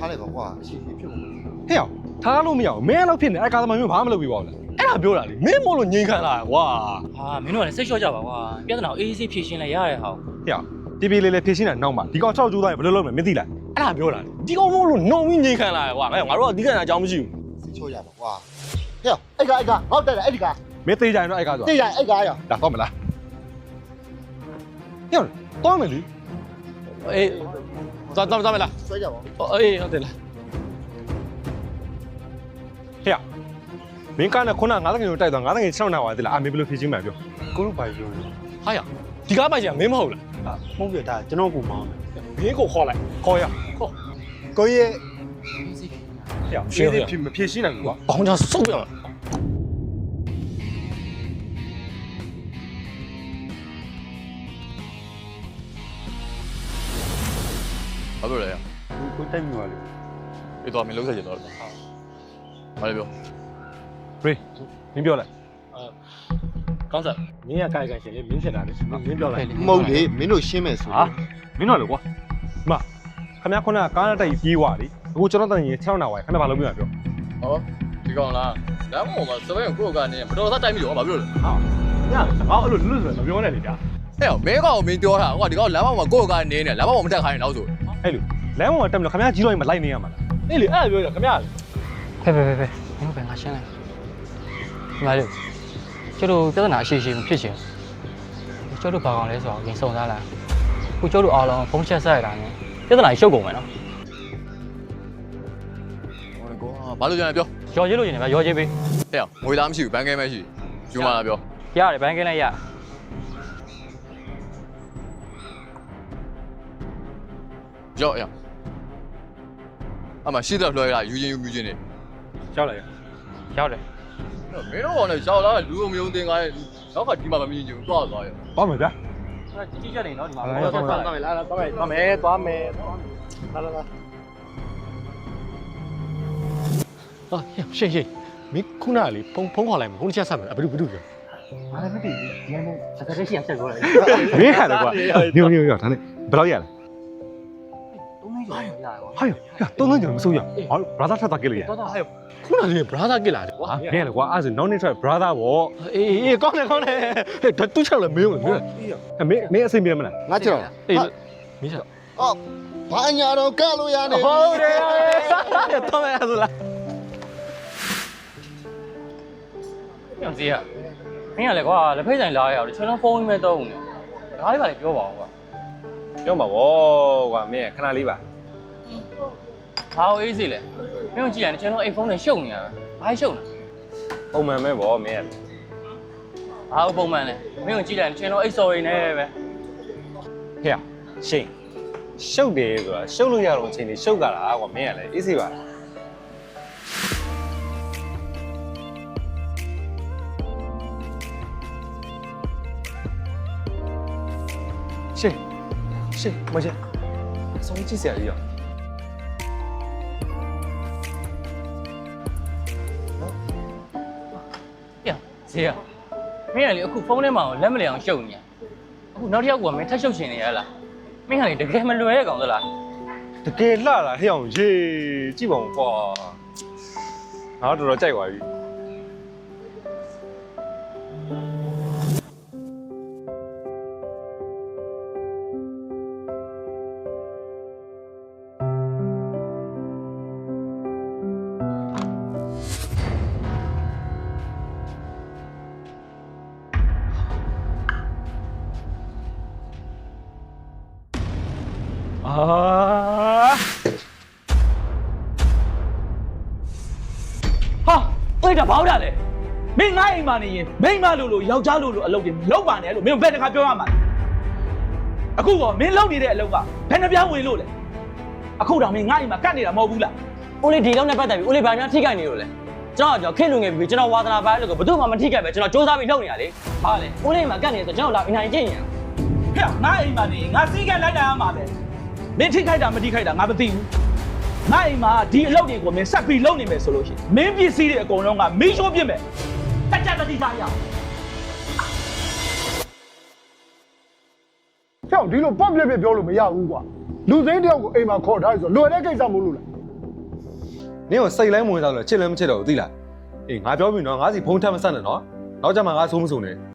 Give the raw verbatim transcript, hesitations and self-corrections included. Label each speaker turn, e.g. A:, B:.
A: ထားလိုက်ပါကွာအရှိကြီးဖြစ်ကုန်
B: ဟဲ့အောင်ထားလို့မရအောင်မင်းအဲ့လောက်ဖြစ်နေအဲ့ကာသမားမျိုးဘာမှမလုပ်ပြီးပါဘူးလားအဲ့ဒါပြောတာလေမင်းမို့လို့ငြိမ်ခံလာကွာ
C: ဟာမင်းတို့ကလည်းစိတ်လျှော့ကြပါကွာပြဿနာကိုအေးအေးဆေးဖြေရှင်းလိုက်ရတဲ့ဟာ
B: ဟဲ့အောင်တီဗီလေးလေးဖြည့်ရှင်းတာနောက်မှဒီကောင်၆ကျိုးသားရင်ဘယ်လိုလုပ်မလဲမသိလားအဲ့ဒါပြောတာလေဒီကောင်မို့လို့နှုံပြီးငြိမ်ခံလာကွာငါတို့ကဒီကံအကြောင်းမရှိဘူး
A: စိတ်ချောရပါကွာဟဲ့အဲ့ကအဲ့ကငေါ့တက်တယ်အဲ့ဒီက
B: မင်းသေးကြရင်တော့အဲ့ကားဆို
A: သိရအဲ့ကရ
B: ဒါတော့မလားဟဲ့တော့မယ်လေ
C: အေးသွားသွားသွားမလား
A: ဆွဲကြပါ
C: အေးဟုတ်တယ်လား
B: ဟဲ့မင်းကလည်းခုနငါးတငယ်ကိုတိုက်သွားငါးတငယ်၆နာပါသေးလားအမေဘယ်လိုဖြည့်ချင်းမှပြော
D: ကိုတို့ဘာပြောလဲ
B: ဟာရဒီကားပိုင်ချင်မင်းမဟုတ်လား
D: အာမဟုတ်ပြတာကျွန်တော်ကိုမောင်းတယ်
B: မင်းကိုခေါ်လိုက်ခေါ်ရခေါ်
A: ကိုကြီး
B: ဟဲ့ရှင်းဖြစ်မဖြည့်ရှင်းနိုင်ဘူးကွာ
C: ဘောင်းချဆုပ်ပြမှာ
E: ဘာလို့လဲ
D: ကိုတိုက်မိပါလေ
E: အေးတော့မင်းလုံးဆက်ကြတော့ဘာလဲပြော
B: ရေးမင်းပြောလိုက်
C: ကောင်းစား
B: မင်းကကြိုက်ကြိုက်ရှင်လေမင်းဖြစ်တာလေမင်းပြောလိုက်
A: မဟုတ်လေမင်းတို့ရှင်းမယ်ဆို
B: ဟာမင်းတော့လေကွာမခမရခုနကကားနဲ့တိုက်ပြေးသွားလေအခုကျွန်တော်တန်ကြီး၆နာပါခဏဘာလုပ်ပြမှာပြော
E: ဟောဒီကောင်လားလမ်းပေါ်မှာစပယ်ကိုကိုကနေမတော်သားတိုက်ပြီးတော့ဘာပြောလဲ
B: ဟာညငါအဲ့လိုလွတ်လွတ်မပြောနဲ့လေကြာ
E: ဟဲ့မင်းကောင်မင်းပြောတာဟိုကဒီကောင်လမ်းပေါ်မှာကိုကနေနေလမ်းပေါ်မှာမတက်ခိုင်းတော့ဆို
B: အဲ့လိုလမ်းပေါ်တက်မလို့ခမရကြီးတော့မလိုက်နေရမှာလားအေးလေအဲ့လိုပြောရခမရ
C: ဖဲဖဲဖဲဖဲမင်းတို့ပဲငါရှင်းလိုက်ဒီမှာလေကျတို့ပြဿနာအရှိရှိမဖြစ်ချင်ကျတို့ဘာကောင်လဲဆိုတော့ရင်စုံစားလာခုကျတို့အားလုံးဖုံးချက်ဆက်ရတာနဲ့ပြဿနာရှုပ်ကုန်မယ်နော်
E: ဟိုကောဘာလို့ကြလဲပြော
C: ရော်ချစ်လို့ရှင်တယ်ဗျရော်ချစ်ပေး
E: ဟဲ့ငွေသားမရှိဘူးဘန်ကဲမရှိယူမလားပြော
C: ရတယ်ဘန်းကင်းလိုက်ရ
E: ရော့ရအမရှိတော့လွှဲရယူချင်းယူမြူချင်းနေ
B: ရောက်လိုက်ရ
C: ရောက်တယ်
E: မင်းတို့ကောင်လည်းရောက်လာလူုံမျိုးတင်ကားနောက်ကဒီမှာမမြင်ချင်ဘူးသွားသွားရ
B: ပေါ့မယ်ဗျာ
C: ကြီးကြီးချက်နေနော်ဒီမှာ
B: ဟုတ်ကဲ့
C: သွားသွားမယ်လားသွားမယ်သွားမယ်သွားမယ်လာလာလာဟာရှင်းရှင်း
B: မင်းခုနကလေဖုန်းဖုန်းခေါ်လိုက်မှာဖုန်းတစ်ချက်ဆက်မယ်ဘယ်လိုဘယ်လိုပြော
C: ဘာလဲမသိဘူးဒီနေ့စကားရှိအောင်ချက်ပြောလိုက်
B: မင်းဟာလေကွာညိုညိုညိုဒါနဲ့ဘယ်လောက်ရလဲ
C: သုံးမိကျော်ရရပါ
B: ဟာရတုံးတုံးကြောင်မစိုးရဟာဘရာသာထပ်တာကိလေရ
C: တော့တော့ဟဲ့
B: ခုနကလေဘရာသာကိလာတယ်ကွာမင်းလေကွာအဲ့ဒါနောက်နေ့ထွက်ဘရာသာဗော
C: အေးအေးကောင်းတယ်ကောင်းတယ်
B: ဟဲ့တူးချောက်လေမင်းမင်းမင်းမင်းအစိမ့်ပြမလား
A: ငါကြောက်
C: အေးမင်းချက်
A: အော်ဘာညာတော့ကလို့ရနေ
B: ဟုတ်တယ်တော့မယ်ဆိုလား
C: ပြန်စီရမင်းကလည်းကွာလက်ဖိတ်ဆိုင်လာရအောင်ကျွန်တော်ဖုန်းမဲတော့ဦးနေဒါလေးပါလေပြောပါအောင်ကွာ
B: ပြောမှာဗောကွာမင်းခဏလေးပါ
C: ဘာလို့အေးစီလဲမင်းတို့ကြည့်ရတယ်ကျွန်တော်အိမ်ဖုန်းနဲ့ရှုပ်နေရတာဘာရှုပ်လဲ
B: ပုံမှန်ပဲဗောမင်း
C: ဘာလို့ပုံမှန်လဲမင်းတို့ကြည့်လိုက်ကျွန်တော်အိတ်စော်ရင်းနဲ့ပဲ
B: ဟဲ့ရှင်းရှုပ်တယ်ဆိုတာရှုပ်လို့ရတော့အချိန်လေးရှုပ်ကြတာကွာမင်းကလည်းအေးစီပါရှင်းရှင်းမရှင်းဆုံးကြည့်စရာကြီးရော
C: ပြန်စီရမင်းကလေအခုဖုန်းထဲမှာလက်မလျအောင်ရှုပ်နေရအခုနောက်တစ်ယောက်ကမင်းထပ်ရှုပ်ရှင်နေရလားမင်းကလေတကယ်မလွယ်တဲ့ကောင်သလား
B: တကယ်လှလာဟဲ့အောင်ရေကြည့်ပါဦးကွာငါတော့တော်တော်ကြိုက်သွားပြီအာ
F: ဟာအဲ့ဒါဘာလို့လဲမင်းငါအိမ်မှာနေရင်မိန်းမလို့လို့ယောက်ျားလို့လို့အလုပ်တွေလောက်ပါနဲ့လို့မင်းဘယ်တခါပြောရမှာလဲအခုကမင်းလုပ်နေတဲ့အလုပ်ကဘယ်နှပြောင်းဝင်လို့လဲအခုတော့မင်းငါအိမ်မှာကတ်နေတာမဟုတ်ဘူးလား
C: ဦးလေးဒီလောက်နဲ့ပတ်သက်ပြီးဦးလေးဘာများထိခိုက်နေလို့လဲကျွန်တော်ကျွန်တော်ခက်လူငယ်ပြီးကျွန်တော်ဝါသနာပါလို့ကဘယ်သူမှမထိခိုက်ပဲကျွန်တော်စူးစမ်းပြီးလုပ်နေရလေ
F: ဟာလေ
C: ဦးလေးမှာကတ်နေဆိုကျွန်တော်လာအင်နိုင်ကျင့်နေရ
F: ဟဲ့ငါအိမ်မှာနေရင်ငါစီးကလိုက်တာရမှာပဲမင်းထိခိုက်တာမထိခိုက်တာငါမသိဘူးငါအိမ်မှာဒီအလုပ်တွေကိုမင်းဆက်ပြီးလုပ်နေမယ်ဆိုလို့ရှိရင်မင်းပစ္စည်းတွေအကုန်လုံးကမီးရှိုးပြစ်မယ်တက်ကြတတိစားရအောင်
G: ကြောက်ဒီလိုပော့ပြက်ပြက်ပြောလို့မရဘူးကွာလူစိမ်းတယောက်ကိုအိမ်မှာခေါ်ထားရဆိုလွယ်တဲ့ကိစ္စမဟုတ်လို့လား
B: နင်းကိုစိတ်လဲမဝင်စားလို့ချစ်လဲမချစ်တော့ဘူးသိလားအေးငါပြောပြီနော်ငါစီဖုန်းထပ်မဆက်နဲ့နော်နောက်ကြမှာငါဆိုးမစုံနဲ့